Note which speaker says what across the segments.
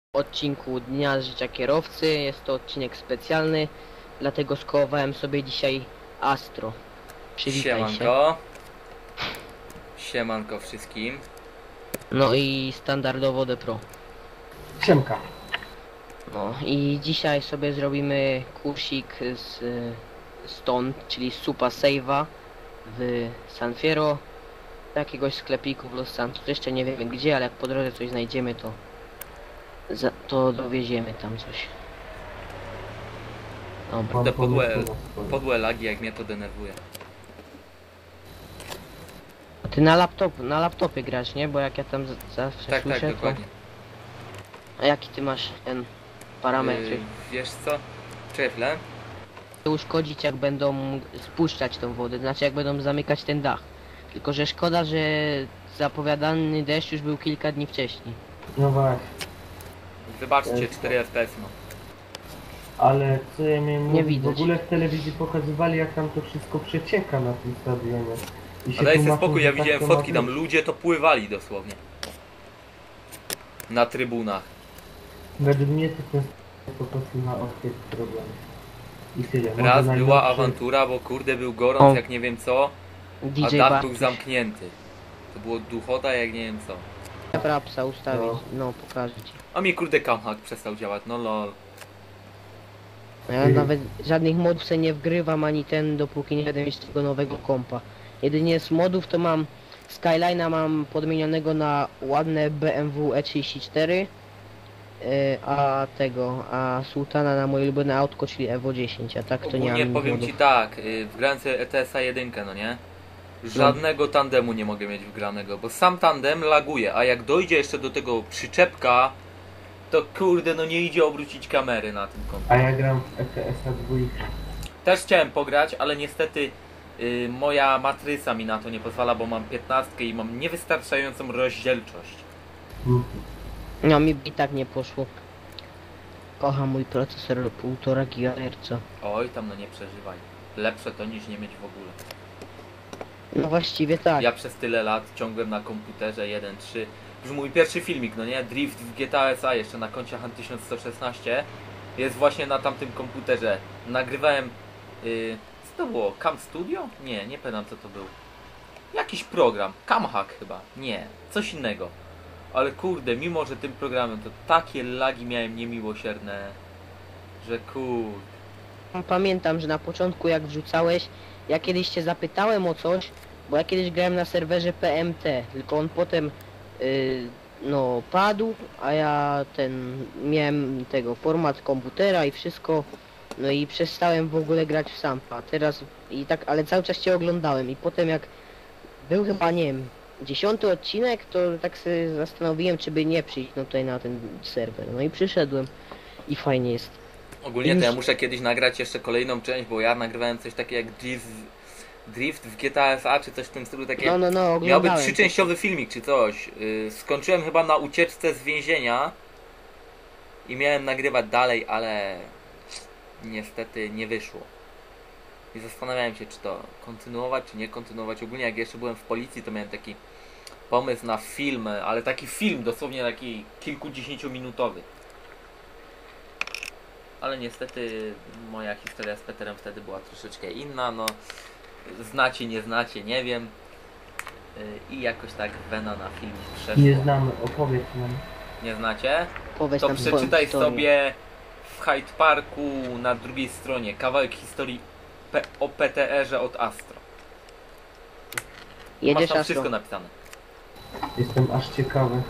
Speaker 1: Odcinku Dnia Życia Kierowcy. Jest to odcinek specjalny, dlatego skołowałem sobie dzisiaj Astro. Przywitaj się.
Speaker 2: Siemanko. Siemanko wszystkim.
Speaker 1: No i standardowo The Pro.
Speaker 3: Siemka.
Speaker 1: No i dzisiaj sobie zrobimy kursik stąd, czyli Supa Save'a w San Fierro, do jakiegoś sklepiku w Los Santos. Jeszcze nie wiemy gdzie, ale jak po drodze coś znajdziemy, to dowieziemy tam coś. Dobra.
Speaker 2: Te podłe lagi, jak mnie to denerwuje.
Speaker 1: A ty na laptopie grasz, nie? Bo jak ja tam zawsze
Speaker 2: Tak,
Speaker 1: słyszę,
Speaker 2: dokładnie.
Speaker 1: A jaki ty masz ten parametry?
Speaker 2: Wiesz co? Czefle?
Speaker 1: Uszkodzić jak będą spuszczać tą wodę, znaczy jak będą zamykać ten dach. Tylko że szkoda, że zapowiadany deszcz już był kilka dni wcześniej.
Speaker 3: No właśnie,
Speaker 2: Wybaczcie, 4 FPS no.
Speaker 3: ale co ja miałem
Speaker 1: Nie
Speaker 3: mówić,
Speaker 1: widać.
Speaker 3: w ogóle w telewizji pokazywali, jak tam to wszystko przecieka na tym stadionie. I
Speaker 2: A daj sobie
Speaker 3: tłumaczą,
Speaker 2: spokój,
Speaker 3: że
Speaker 2: ja
Speaker 3: tak
Speaker 2: widziałem
Speaker 3: to ma
Speaker 2: fotki, tam
Speaker 3: być.
Speaker 2: ludzie to pływali dosłownie. Na trybunach.
Speaker 3: Według mnie to jest po prostu na odciek problem. I tyle. Może
Speaker 2: Raz była
Speaker 3: najnowszy-
Speaker 2: awantura, bo kurde był gorąc
Speaker 1: O.
Speaker 2: jak nie wiem co, a
Speaker 1: DJ
Speaker 2: dach był
Speaker 1: Bartuś.
Speaker 2: zamknięty. To było duchota jak nie wiem co.
Speaker 1: Frapsa ustawić,
Speaker 3: No.
Speaker 1: no pokażę ci.
Speaker 2: A mi kurde camhack przestał działać, no lol.
Speaker 1: Ja nawet żadnych modów sobie nie wgrywam ani ten, dopóki nie będę mieć tego nowego kompa. Jedynie z modów to mam Skyline'a mam podmienionego na ładne BMW E34, a Sultana na moje ulubione autko, czyli Evo 10, a tak to nie mam
Speaker 2: Ogólnie
Speaker 1: innych
Speaker 2: powiem
Speaker 1: modów.
Speaker 2: ci tak, w grance ETS-a 1, no nie? Żadnego tandemu nie mogę mieć wgranego, bo sam tandem laguje, a jak dojdzie jeszcze do tego przyczepka, to kurde no nie idzie obrócić kamery na tym kompie.
Speaker 3: A ja gram w ETS-a 2.
Speaker 2: Też chciałem pograć, ale niestety moja matryca mi na to nie pozwala, bo mam 15 i mam niewystarczającą rozdzielczość.
Speaker 1: No mi i tak nie poszło. Kocham mój procesor 1,5 GHz.
Speaker 2: Oj, tam no nie przeżywaj. Lepsze to niż nie mieć w ogóle.
Speaker 1: No właściwie tak.
Speaker 2: Ja przez tyle lat ciągłem na komputerze 1.3. Już mój pierwszy filmik, no nie? Drift w GTA SA jeszcze na koncie Han 1116 jest właśnie na tamtym komputerze. Nagrywałem... co to było? Cam Studio? Nie pamiętam co to był. Jakiś program. Camhack chyba. Nie. Coś innego. Ale kurde, mimo że tym programem to takie lagi miałem niemiłosierne, że kurde.
Speaker 1: Pamiętam, że na początku jak wrzucałeś, ja kiedyś cię zapytałem o coś, bo ja kiedyś grałem na serwerze PMT, tylko on potem no padł, a ja miałem tego format komputera i wszystko, no i przestałem w ogóle grać w Sampa. Teraz i tak, ale cały czas cię oglądałem i potem jak był chyba, nie wiem, 10. odcinek, to tak sobie zastanowiłem, czy by nie przyjść no tutaj na ten serwer. No i przyszedłem i fajnie jest.
Speaker 2: Ogólnie to ja muszę kiedyś nagrać jeszcze kolejną część, bo ja nagrywałem coś takiego jak Drift w GTA SA czy coś w tym stylu takiego.
Speaker 1: No,
Speaker 2: Miałby
Speaker 1: oglądałem.
Speaker 2: trzyczęściowy filmik czy coś. Skończyłem chyba na ucieczce z więzienia i miałem nagrywać dalej, ale niestety nie wyszło. I zastanawiałem się, czy to kontynuować, czy nie kontynuować. Ogólnie jak jeszcze byłem w policji, to miałem taki pomysł na film, ale taki film dosłownie taki kilkudziesięciominutowy. Ale niestety moja historia z Peterem wtedy była troszeczkę inna, no znacie, nie znacie, nie wiem. I jakoś tak wena na film przeszła.
Speaker 3: Nie znamy, opowiedz nam.
Speaker 2: Nie znacie?
Speaker 1: Powiedz
Speaker 2: To
Speaker 1: nam swoją
Speaker 2: przeczytaj
Speaker 1: historię.
Speaker 2: sobie w Hyde Parku na drugiej stronie kawałek historii o PTR-ze od Astro. Masz
Speaker 1: Jedziesz
Speaker 2: tam
Speaker 1: Astro.
Speaker 2: wszystko napisane.
Speaker 3: Jestem aż ciekawy.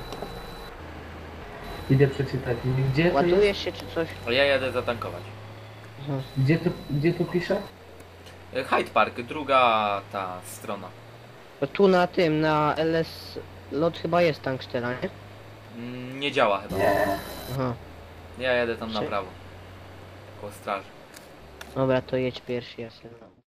Speaker 3: Idę przeczytać. Gdzie to jest?
Speaker 1: Ładujesz się czy coś?
Speaker 2: A ja jadę zatankować.
Speaker 1: Mhm.
Speaker 3: Gdzie to pisze?
Speaker 2: Hyde Park, druga ta strona.
Speaker 1: Bo tu na tym, na LS lot chyba jest tankstera, nie?
Speaker 2: Nie działa chyba.
Speaker 1: Aha.
Speaker 2: Ja jadę tam na
Speaker 1: Czy-
Speaker 2: prawo. Koło straży.
Speaker 1: Dobra, to jedź pierwszy, ja sobie